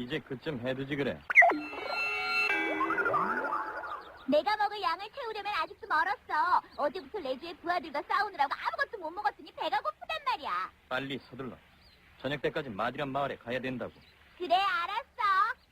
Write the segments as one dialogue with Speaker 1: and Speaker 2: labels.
Speaker 1: 이제 그쯤 해두지 그래.
Speaker 2: 내가 먹을 양을 채우려면 아직도 멀었어. 어제부터 레주의 부하들과 싸우느라고 아무것도 못 먹었으니 배가 고프단 말이야.
Speaker 1: 빨리 서둘러. 저녁 때까지 마디란 마을에 가야 된다고.
Speaker 2: 그래, 알았어.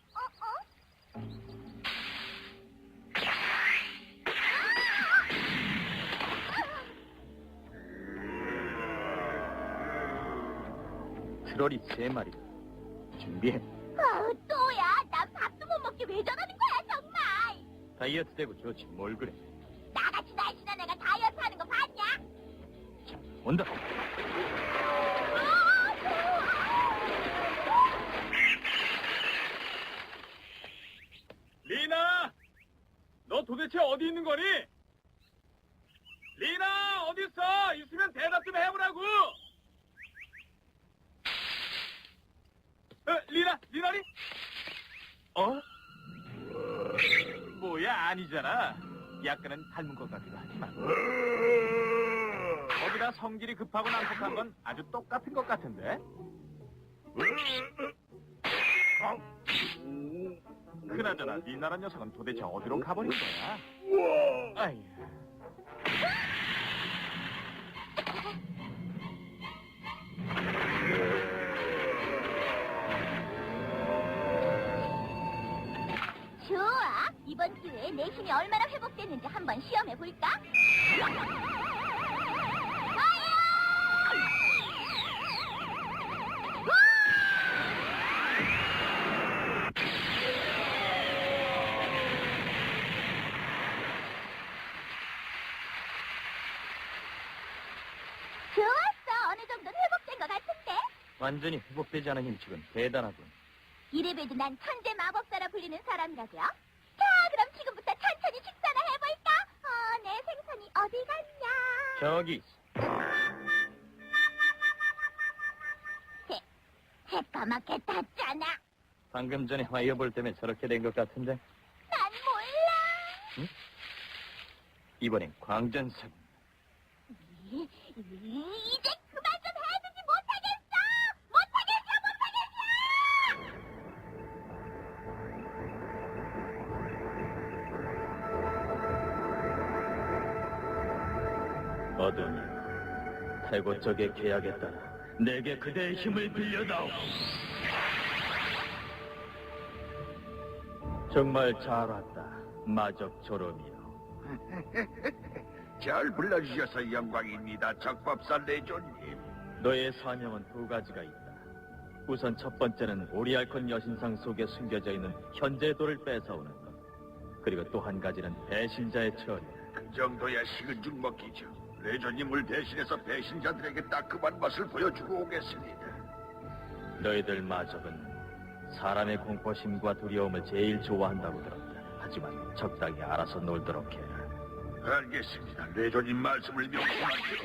Speaker 1: 트롤이 3마리. 준비해.
Speaker 2: 또야. 난 밥도 못 먹게 왜 저러는 거야, 정말.
Speaker 1: 다이어트 되고 좋지 뭘 그래.
Speaker 2: 나같이 날씬한 애가 다이어트 하는 거 봤냐?
Speaker 1: 자, 온다.
Speaker 3: 리나! 너 도대체 어디 있는 거니? 리나! 어디 있어? 있으면 대답 좀 해보라고! 리나리? 어? 뭐야, 아니잖아. 약간은 닮은 것 같기도 하지만. 거기다 성질이 급하고 난폭한 건 아주 똑같은 것 같은데? 그나저나 리나란 녀석은 도대체 어디로 가버린 거야? 아이.
Speaker 2: 좋아. 이번 기회에 내 힘이 얼마나 회복됐는지 한번 시험해 볼까? 좋았어. 어느 정도는 회복된 것 같은데.
Speaker 1: 완전히 회복되지 않은 힘축은 대단하군.
Speaker 2: 이래봬도 난 천재 마법사라 불리는 사람이라고요. 자, 그럼 지금부터 천천히 식사나 해볼까? 내 생선이 어디 갔냐?
Speaker 1: 저기 있어.
Speaker 2: 새까맣게 탔잖아.
Speaker 1: 방금 전에 화이어볼 때문에 저렇게 된 것 같은데.
Speaker 2: 난 몰라.
Speaker 1: 이번엔 광전사군.
Speaker 2: 이제 그만 좀 해주지 못하겠어.
Speaker 1: 어둠이 태고 쪽의 계약에 따라 내게 그대의 힘을 빌려다오. 정말 잘 왔다, 마적 조롬이요.
Speaker 4: 잘 불러주셔서 영광입니다, 적법사 레조님.
Speaker 1: 너의 사명은 2가지가 있다. 우선 첫 번째는 오리알콘 여신상 속에 숨겨져 있는 현재의 돌을 뺏어오는 것. 그리고 또 한 가지는 배신자의 처리다.
Speaker 4: 그 정도야 식은 죽 먹기죠. 레조님을 대신해서 배신자들에게 따끔한 맛을 보여주고 오겠습니다.
Speaker 1: 너희들 마적은 사람의 공포심과 두려움을 제일 좋아한다고 들었다. 하지만 적당히 알아서 놀도록 해라.
Speaker 4: 알겠습니다. 레조님 말씀을 명심하시오.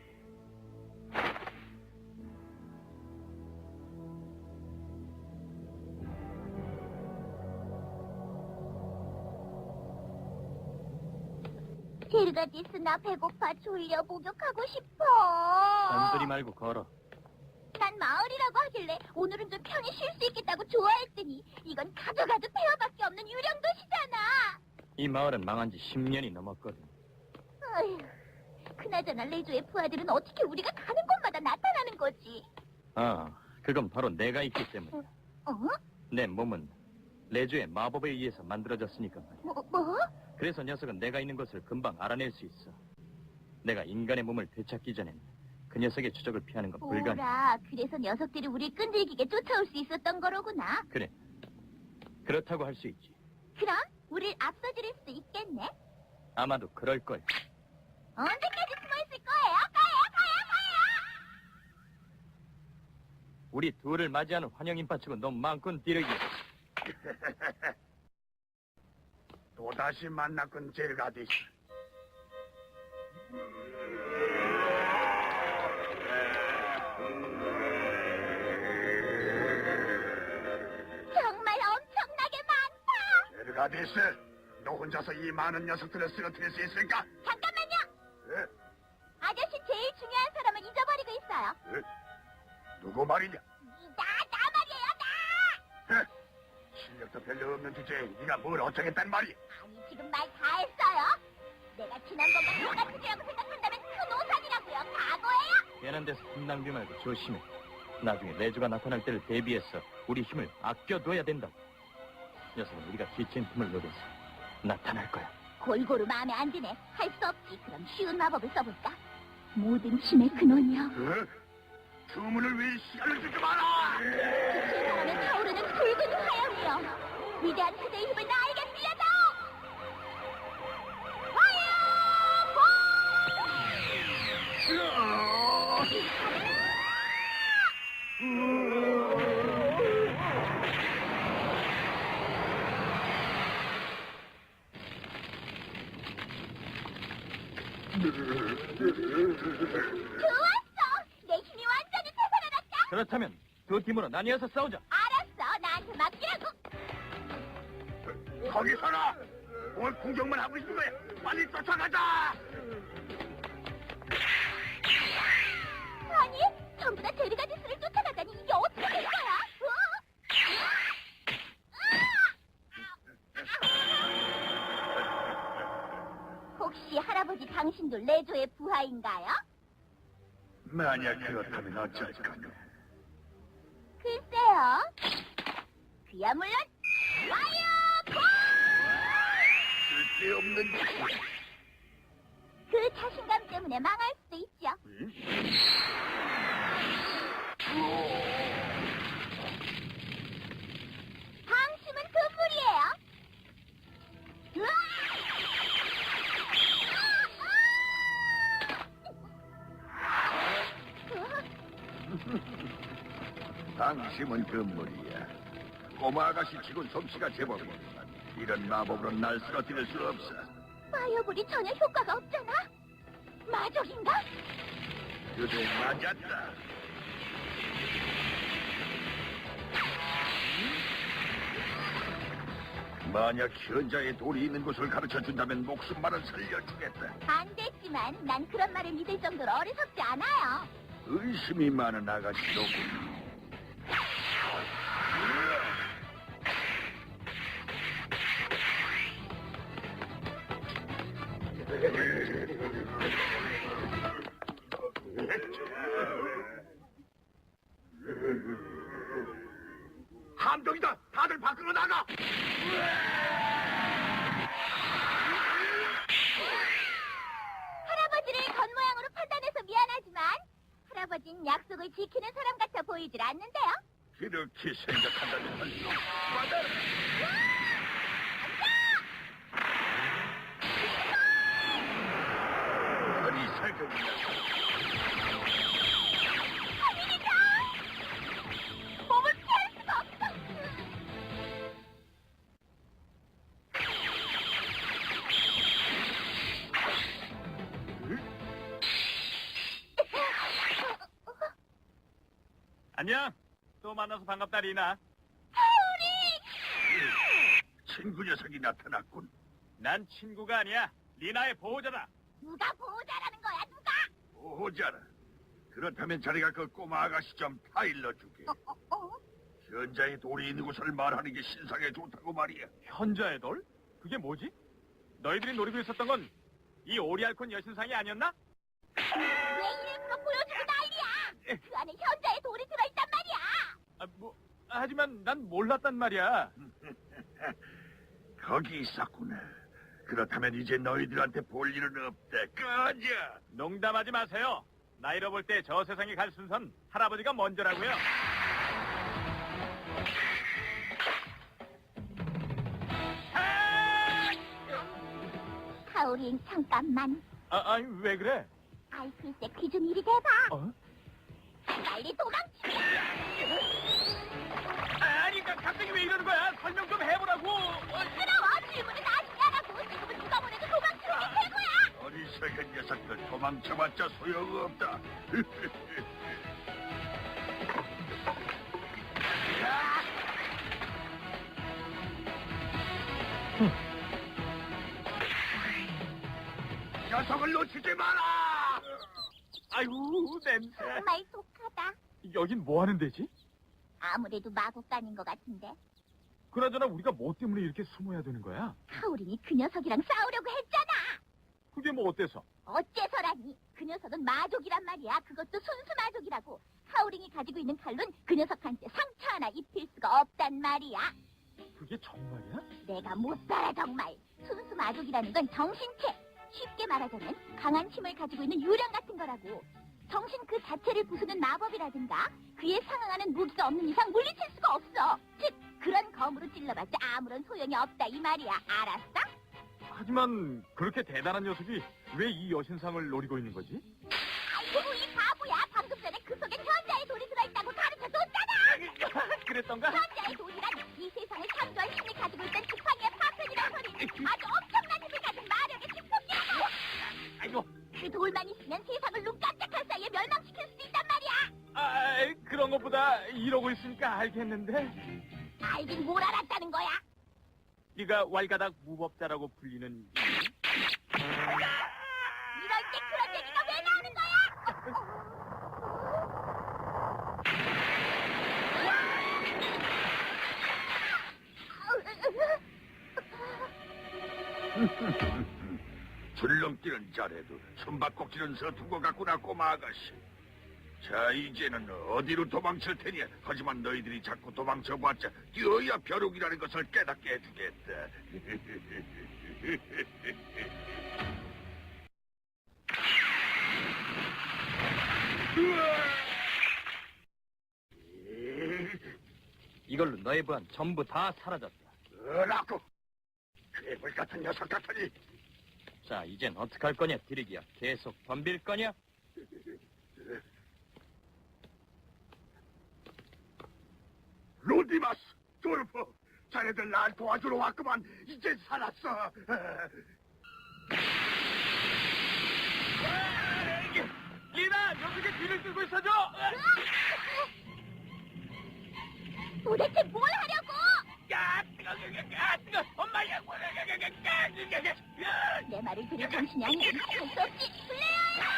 Speaker 2: 제르가디스, 나 배고파. 졸려. 목욕하고 싶어.
Speaker 1: 잔소리 말고 걸어.
Speaker 2: 난 마을이라고 하길래 오늘은 좀 편히 쉴 수 있겠다고 좋아했더니 이건 가져가도 폐허밖에 없는 유령 도시잖아.
Speaker 1: 이 마을은 망한 지 10년이 넘었거든.
Speaker 2: 어휴, 그나저나 레조의 부하들은 어떻게 우리가 가는 곳마다 나타나는 거지?
Speaker 1: 그건 바로 내가 있기 때문이야.
Speaker 2: 어?
Speaker 1: 내 몸은 레주의 마법에 의해서 만들어졌으니까 말이야.
Speaker 2: 뭐?
Speaker 1: 그래서 녀석은 내가 있는 것을 금방 알아낼 수 있어. 내가 인간의 몸을 되찾기 전엔 그 녀석의 추적을 피하는 건 불가능.
Speaker 2: 오라, 그래서 녀석들이 우릴 끈질기게 쫓아올 수 있었던 거로구나.
Speaker 1: 그래. 그렇다고 할 수 있지.
Speaker 2: 그럼 우릴 앞서지를 수도 있겠네.
Speaker 1: 아마도 그럴 걸.
Speaker 2: 언제까지 숨어 있을 거예요? 가요!
Speaker 1: 우리 둘을 맞이하는 환영 인파치고 너무 많군, 디르기.
Speaker 4: 또다시 만났군, 제르가디스.
Speaker 2: 정말 엄청나게 많다.
Speaker 4: 제르가디스, 너 혼자서 이 많은 녀석들을 쓰러뜨릴 수 있을까?
Speaker 2: 잠깐만요.
Speaker 4: 에?
Speaker 2: 아저씨 제일 중요한 사람을 잊어버리고 있어요.
Speaker 4: 에? 누구 말이냐?
Speaker 2: 나 말이에요, 나!
Speaker 4: 실력도 별로 없는 주제에 네가 뭘 어쩌겠단 말이야?
Speaker 2: 아니, 지금 말 다 했어요. 내가 지난 것과 똑같은 죄라고 생각한다면 큰 오산이라고요. 각오해요.
Speaker 1: 괜한 데서 힘 낭비 말고 조심해. 나중에 내주가 나타날 때를 대비해서 우리 힘을 아껴둬야 된다. 녀석은 우리가 지친 틈을 노려서 나타날 거야.
Speaker 2: 골고루 마음에 안 드네. 할 수 없지. 그럼 쉬운 마법을 써볼까? 모든 힘의 근원이여.
Speaker 4: 어? 주문을 왜 시간을 주지 마라!
Speaker 2: 빛을 바라며 타오르는 붉은 화염이여. 위대한 그대의 힘을 나에게 빌려다오. 좋았어! 내 힘이 완전히 되살아났다!
Speaker 1: 그렇다면 두 팀으로 나뉘어서 싸우자.
Speaker 2: 알았어, 나한테 맡기라고!
Speaker 4: 거기 서라! 뭘 구경만 하고 있는 거야! 빨리 쫓아가자!
Speaker 2: 아니, 전부 다 데르가디스를 쫓아가다니 이게 어떻게 된 거야? 혹시 할아버지 당신도 레조의 부하인가요?
Speaker 4: 만약 그렇다면 어쩔 거냐?
Speaker 2: 글쎄요. 그야 물론 와이어
Speaker 4: 쓸데없는 짓이야.
Speaker 2: 그 자신감 때문에 망할 수도 있죠. 방심은 금물이에요.
Speaker 4: 당심은 금물이야. 꼬마 아가씨 치곤 솜씨가 제법이지만 이런 마법으로 날 쓰러뜨릴 수 없어.
Speaker 2: 파이어볼이 전혀 효과가 없잖아. 마족인가?
Speaker 4: 그대 맞았다. 만약 현자에 돌이 있는 곳을 가르쳐준다면 목숨만은 살려주겠다.
Speaker 2: 안 됐지만 난 그런 말을 믿을 정도로 어리석지 않아요.
Speaker 4: 의심이 많은 아가씨로군. 함정이다! 다들 밖으로 나가!
Speaker 2: 할아버지를 겉모양으로 판단해서 미안하지만 할아버진 약속을 지키는 사람 같아 보이질 않는데요.
Speaker 4: 그렇게 생각한다면 할 수 없어. 어리석은 녀석.
Speaker 2: 몸을 피할 수가 없어.
Speaker 3: 안녕. 또 만나서 반갑다, 리나.
Speaker 4: 친구 녀석이 나타났군.
Speaker 3: 난 친구가 아니야. 리나의 보호자다.
Speaker 2: 누가 보호자라는 거야, 누가?
Speaker 4: 보호자라. 그렇다면 자네가 그 꼬마 아가씨 좀 타일러 주게. 현자의 돌이 있는 곳을 말하는 게 신상에 좋다고 말이야.
Speaker 3: 현자의 돌? 그게 뭐지? 너희들이 노리고 있었던 건 이 오리알콘 여신상이 아니었나?
Speaker 2: 왜 일부러 보여주고 난리야? 그 안에 현자의 돌이 들어있단 말이야.
Speaker 3: 하지만 난 몰랐단 말이야.
Speaker 4: 거기 있었구나. 그렇다면 이제 너희들한테 볼 일은 없다. 꺼져!
Speaker 3: 농담하지 마세요. 나 잃어볼 때 저 세상에 갈 순선 할아버지가 먼저라고요.
Speaker 2: 하울인 잠깐만.
Speaker 3: 아니 왜 그래?
Speaker 2: 아이 글쎄 귀 좀 이리 대봐.
Speaker 3: 어?
Speaker 2: 빨리 도망치자.
Speaker 3: 아니 갑자기 왜 이러는 거야? 설명 좀 해보라고.
Speaker 2: 시끄러워. 질문은 아직 안 하고 지금은 누가 보내도 도망치는 게 최고야.
Speaker 4: 어리석은 녀석들 도망쳐봤자 소용없다. 녀석을 놓치지 마라!
Speaker 3: 아이고 냄새.
Speaker 2: 정말 독하다.
Speaker 3: 여긴 뭐 하는 데지?
Speaker 2: 아무래도 마법관인 것 같은데.
Speaker 3: 그나저나 우리가 뭐 때문에 이렇게 숨어야 되는 거야?
Speaker 2: 카오린이 그 녀석이랑 싸우려고 했잖아.
Speaker 3: 그게 뭐 어때서?
Speaker 2: 어째서라니? 그 녀석은 마족이란 말이야. 그것도 순수 마족이라고. 카오린이 가지고 있는 칼로는 그 녀석한테 상처 하나 입힐 수가 없단 말이야.
Speaker 3: 그게 정말이야?
Speaker 2: 내가 못 살아 정말. 순수 마족이라는 건 정신체. 쉽게 말하자면 강한 힘을 가지고 있는 유령 같은 거라고. 정신 그 자체를 부수는 마법이라든가 그에 상응하는 무기가 없는 이상 물리칠 수가 없어. 즉 그런 검으로 찔러봤자 아무런 소용이 없다 이 말이야. 알았어?
Speaker 3: 하지만 그렇게 대단한 녀석이 왜 이 여신상을 노리고 있는 거지?
Speaker 2: 아이고 이 바보야. 방금 전에 그 속에 현자의 돌이 들어있다고 가르쳐줬잖아.
Speaker 3: 그랬던가?
Speaker 2: 현자의 돌이란 이 세상을 창조한 힘을 가지고 있던 지팡이의 파편이란 소리는 아주 엄청난 힘을 가진 마력의 축복이라고.
Speaker 3: 아이고,
Speaker 2: 그 돌만 있으면 세상을 눈 깜짝할 사이에 멸망시킬 수도 있단 말이야.
Speaker 3: 그런 것보다 이러고 있으니까 알겠는데.
Speaker 2: 알긴 뭘 알았다는 거야.
Speaker 3: 네가 왈가닥 무법자라고 불리는
Speaker 2: 이럴 때 그런 얘기가 왜 나오는 거야?
Speaker 4: 줄넘기는 잘해도 숨바꼭질은 서툰 것 같구나 꼬마 아가씨. 자 이제는 어디로 도망칠 테니. 하지만 너희들이 자꾸 도망쳐봤자 뛰어야 벼룩이라는 것을 깨닫게 해주겠다.
Speaker 1: 이걸로 너의 부한 전부 다 사라졌다.
Speaker 4: 라고 괴물 같은 녀석 같으니.
Speaker 1: 자, 이젠 어떡할 거냐, 디리기야. 계속 덤빌 거냐?
Speaker 4: 로디마스, 돌프, 자네들 날 도와주러 왔구만. 이제 살았어.
Speaker 3: 리나, 녀석의 뒤를 끌고 있어줘!
Speaker 2: 도대체 뭘 하려고?
Speaker 3: 야, 뜨거, 엄마야!
Speaker 2: 내 말을 들을 정신이 아니면 할 수 없지. 플레이어요!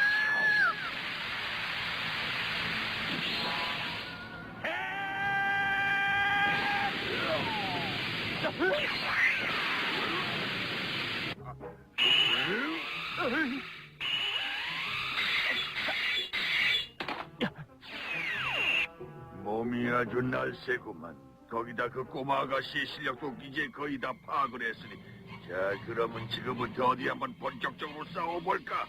Speaker 4: 몸이 아주 날쌔구만. 거기다 그 꼬마 아가씨의 실력도 이제 거의 다 파악을 했으니. 자, 그러면 지금부터 어디 한번 본격적으로 싸워볼까?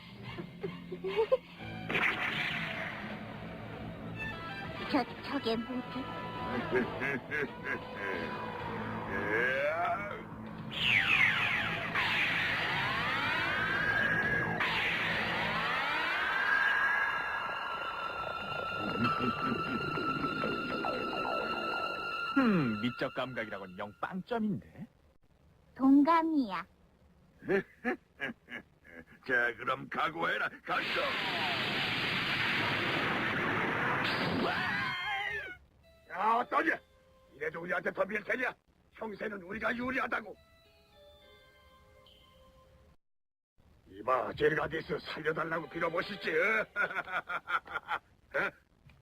Speaker 2: 저게 뭐지?
Speaker 3: 미적 감각이라고는 영 빵점인데.
Speaker 2: 동감이야.
Speaker 4: 자, 그럼 각오해라. 갔어. 야, 어떠냐? 이래도 우리한테 덤빌 테냐? 형세는 우리가 유리하다고. 이봐, 제르가디스 살려달라고 빌어보시지. 에?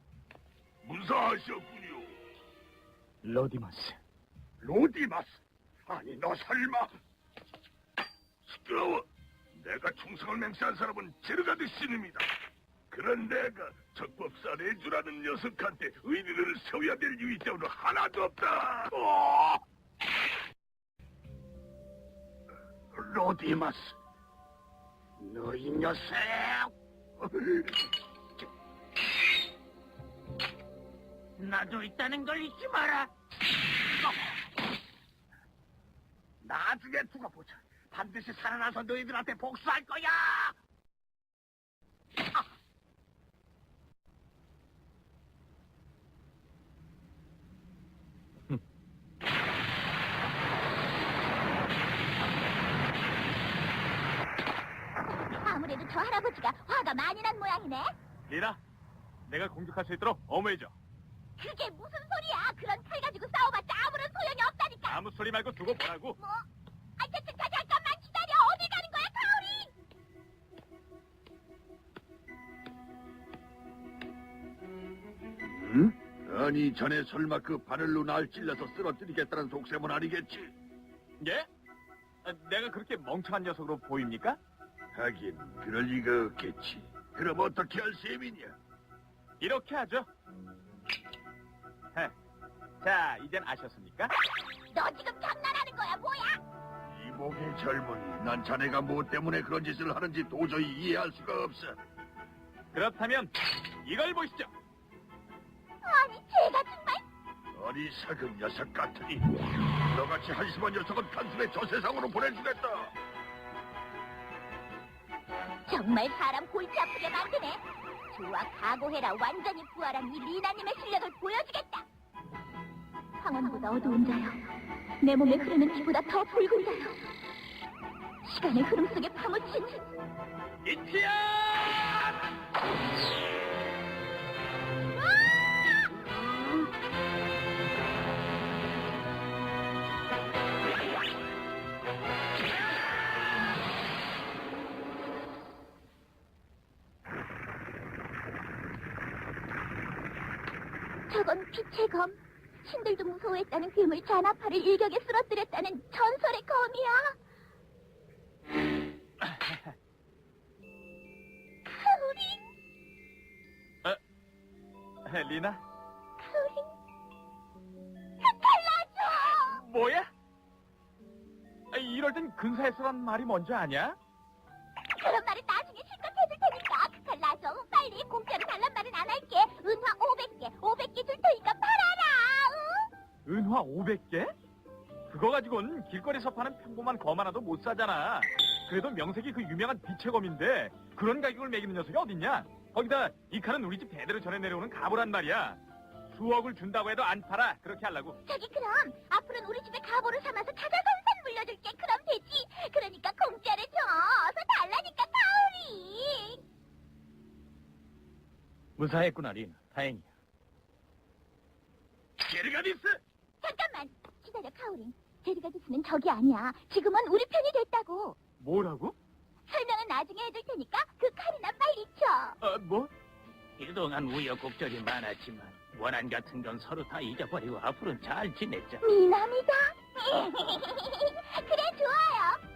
Speaker 4: 무사하셨군요.
Speaker 3: 로디마스.
Speaker 4: 로디마스. 아니, 너 설마. 시끄러워. 내가 충성을 맹세한 사람은 제르가디스입니다. 그런 내가 적법사 레주라는 녀석한테 의리를 세워야 될 이유 때문에 하나도 없다. 로디마스, 너희 녀석. 나도 있다는 걸 잊지 마라. 나중에 두고 보자. 반드시 살아나서 너희들한테 복수할 거야.
Speaker 2: 아무래도 저 할아버지가 화가 많이 난 모양이네.
Speaker 3: 리나, 내가 공격할 수 있도록 어머해줘.
Speaker 2: 그게 무슨 소리야? 그런 칼 가지고 싸워봤자 아무런 소용이 없다니까.
Speaker 3: 아무 소리 말고 두고 보라고.
Speaker 2: 뭐? 잠깐만 기다려. 어디 가는 거야, 카오린?
Speaker 4: 응? 아니, 전에 설마 그 바늘로 날 찔러서 쓰러뜨리겠다는 속셈은 아니겠지?
Speaker 3: 예? 내가 그렇게 멍청한 녀석으로 보입니까?
Speaker 4: 하긴 그럴 리가 없겠지. 그럼 어떻게 할 셈이냐?
Speaker 3: 이렇게 하죠. 헤. 자, 이젠 아셨습니까?
Speaker 2: 너 지금 장난하는 거야, 뭐야?
Speaker 4: 이 목의 젊은이, 난 자네가 뭐 때문에 그런 짓을 하는지 도저히 이해할 수가 없어.
Speaker 3: 그렇다면 이걸 보시죠.
Speaker 2: 아니, 제가 정말
Speaker 4: 어리석은 녀석 같으니 너같이 한심한 녀석은 단숨에 저 세상으로 보내주겠다.
Speaker 2: 정말 사람 골치 아프게 만드네. 좋아, 각오해라. 완전히 부활한 이 리나님의 실력을 보여주겠다. 황혼보다 어두운 자여, 내 몸에 흐르는 피보다 더 붉은 자여, 시간의 흐름 속에 파묻힌
Speaker 3: 이티야!
Speaker 2: 저건 빛의 검. 신들도 무서워했다는 괴물 자나파를 일격에 쓰러뜨렸다는 전설의 검이야. 카오린,
Speaker 3: 리나?
Speaker 2: 카오린, 달라줘!
Speaker 3: 뭐야? 이럴 땐 근사했어란 말이 먼저 아냐?
Speaker 2: 그런 말은 나중에 실컷 해줄 테니까 그걸 놔줘. 빨리. 공짜로 달란 말은 안 할게. 은화 500개 줄 테니까 팔아라. 응?
Speaker 3: 은화 500개? 그거 가지고는 길거리에서 파는 평범한 검 하나도 못 사잖아. 그래도 명색이 그 유명한 빛의 검인데 그런 가격을 매기는 녀석이 어딨냐? 거기다 이 칼은 우리 집 대대로 전해 내려오는 가보란 말이야. 수억을 준다고 해도 안 팔아. 그렇게 하려고.
Speaker 2: 저기 그럼 앞으로는 우리 집에 가보를 삼아서 찾아선산 물려줄게. 그럼 되지. 그러니까 공짜로 줘. 어서 달라니까 카오리.
Speaker 1: 무사했구나, 리나. 다행이야.
Speaker 3: 게르가디스!
Speaker 2: 잠깐만 기다려, 카오린. 제리가디스는 적이 아니야. 지금은 우리 편이 됐다고.
Speaker 3: 뭐라고?
Speaker 2: 설명은 나중에 해줄 테니까 그 칼이나 빨리 쳐.
Speaker 3: 뭐?
Speaker 1: 그동안 우여곡절이 많았지만 원한 같은 건 서로 다 잊어버리고 앞으로는 잘 지냈자.
Speaker 2: 미남이다. 그래, 좋아요.